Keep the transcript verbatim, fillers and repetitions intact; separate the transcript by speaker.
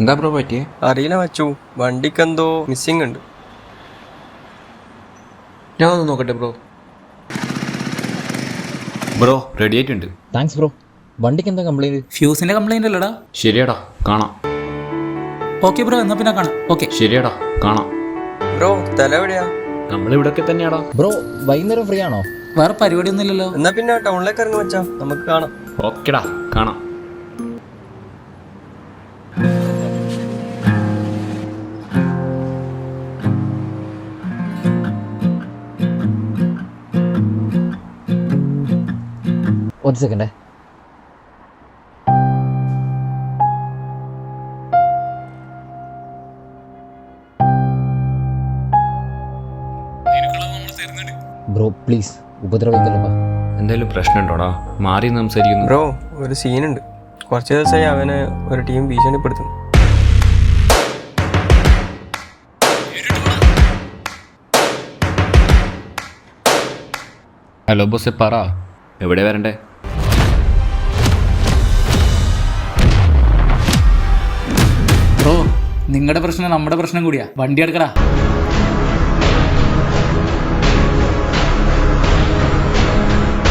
Speaker 1: എന്താ ബ്രോ പറ്റിയേ?
Speaker 2: അറിയില്ല മച്ചു, വണ്ടിക്കെന്തോ മിസ്സിംഗ് ഉണ്ട്.
Speaker 1: ഞാൻ ഒന്ന് നോക്കട്ടെ ബ്രോ.
Speaker 3: ബ്രോ റെഡി ആയിട്ടുണ്ട്.
Speaker 4: Thanks bro. വണ്ടിക്ക് എന്താ കംപ്ലൈന്റ്?
Speaker 5: ഫ്യൂസിന്റെ കംപ്ലൈന്റ് അല്ലടാ.
Speaker 3: ശരിയാടാ, കാണാം.
Speaker 5: ഓക്കെ ബ്രോ, എന്നാ പിന്നെ കാണാം. ഓക്കെ
Speaker 3: ശരിയാടാ, കാണാം.
Speaker 2: ബ്രോ തല എവിടെയാ?
Speaker 3: നമ്മളിവിടൊക്കെ തന്നെയാടാ.
Speaker 4: ബ്രോ വൈകുന്നേരം ഫ്രീ ആണോ?
Speaker 5: വേറെ പരിപാടിയൊന്നും ഇല്ലല്ലോ.
Speaker 2: എന്നാ പിന്നെ ടൗണിലേക്ക് ഇറങ്ങി വെച്ചാ നമുക്ക് കാണാം.
Speaker 3: ഓക്കെടാ, കാണാം.
Speaker 4: ഒരു സെക്കൻഡേ. Bro please ഉപദ്രവിക്കല്ലപ്പാ.
Speaker 3: എന്തായാലും പ്രശ്നമുണ്ടോടാ? മാറി സംസാരിക്കുന്നു.
Speaker 2: ബ്രോ ഒരു സീനുണ്ട്. കുറച്ച് ദിവസമായി അവനെ ഒരു ടീം ഭീഷണിപ്പെടുത്തുന്നു.
Speaker 3: ഹലോ ബോസെ, പറ, എവിടെ വരണ്ടേ?
Speaker 5: ബ്രോ, നിങ്ങളുടെ പ്രശ്നം നമ്മുടെ പ്രശ്നം കൂടിയാ. വണ്ടി എടുക്കടാ.